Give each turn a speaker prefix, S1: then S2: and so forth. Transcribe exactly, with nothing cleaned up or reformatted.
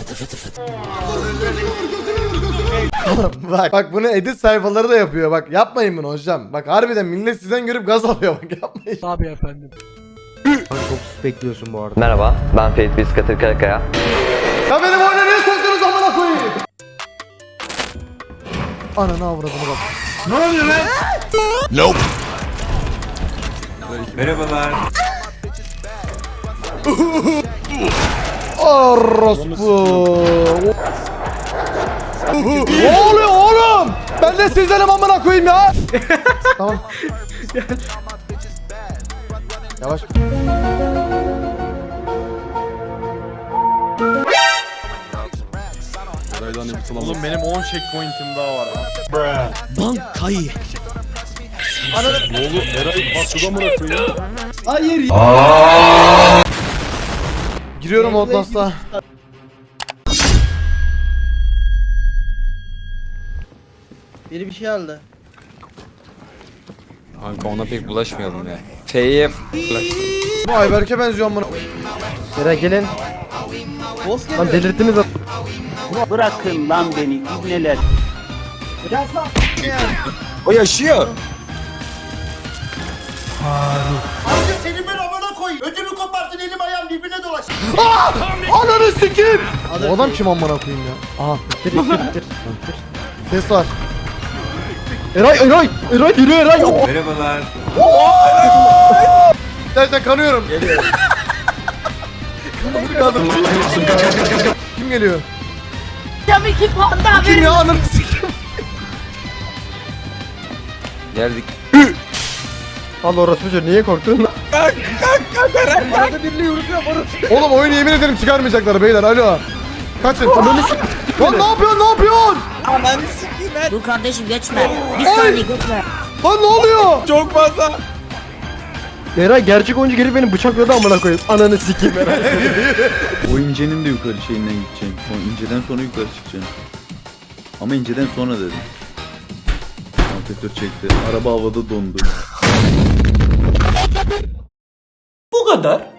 S1: Bak bak bunu edit sayfaları da yapıyor. Bak yapmayın bunu hocam. Bak harbiden millet sizden görüp gaz alıyor, bak yapmayın.
S2: Abi efendim.
S3: Çok sus bekliyorsun bu arada.
S4: Merhaba, ben Ferit Biskatır Karakaya.
S1: Ya benim oyuna niye soktunuz amına koyayım? Ananı avradını bak.
S5: Ne oluyor lan? Nope. Merhabalar.
S1: Orospu. Ne oluyor oğlum? Ben de sizdenim amına koyayım ya. Tamam. Yavaş.
S5: Oğlum benim on checkpoint'im daha var.
S2: Bankayı.
S5: Ne oldu? Eray patlıda mı bırakıyor?
S2: Hayır.
S1: Giriyorum Outlast'a.
S2: Biri bir şey aldı.
S6: Kanka ona pek bulaşmayalım ya. F'ye bulaştım.
S1: Bu Ayberk'e benziyor amına.
S3: Eray gelin.
S2: Boss geliyor.
S3: Lan delirttiniz a-
S7: Bırakın lan beni ibneler.
S6: O yaşıyor.
S8: Senin ben amına koyayım. Ödümü kopartın, elim ayağım birbirine dolaş.
S1: Ananı sikeyim. Bu adam kim amına koyayım ya? Aha
S3: Bitir bitir bitir. Bitir.
S1: ses var.
S3: Eray Eray Eray yürü Eray.
S5: Merhabalar.
S1: Gerçekten kanıyorum. Geliyor. Kim geliyor?
S9: Tabii ki panda
S1: Kim ya ananı sikeyim.
S6: Geldik.
S3: Allah orası çocuğu niye korktun?
S1: Oğlum oyunu yemin ederim çıkarmayacaklar beyler, alo. Kaçın. Ananı sikeyim. Lan ne yapıyorsun, ne yapıyorsun?
S9: Dur kardeşim geçme. Bir saniye geçme.
S1: Lan ne oluyor?
S6: Çok fazla.
S3: Eray gerçek oyuncu gelip beni bıçakladı amına koyayım. Ananı sikeyim Eray.
S10: O incenin de yukarı şeyinden gideceğim. O inceden sonra yukarı çıkacağım. Ama inceden sonra dedim. Ampetör çekti. Araba havada dondu.
S7: Bu kadar.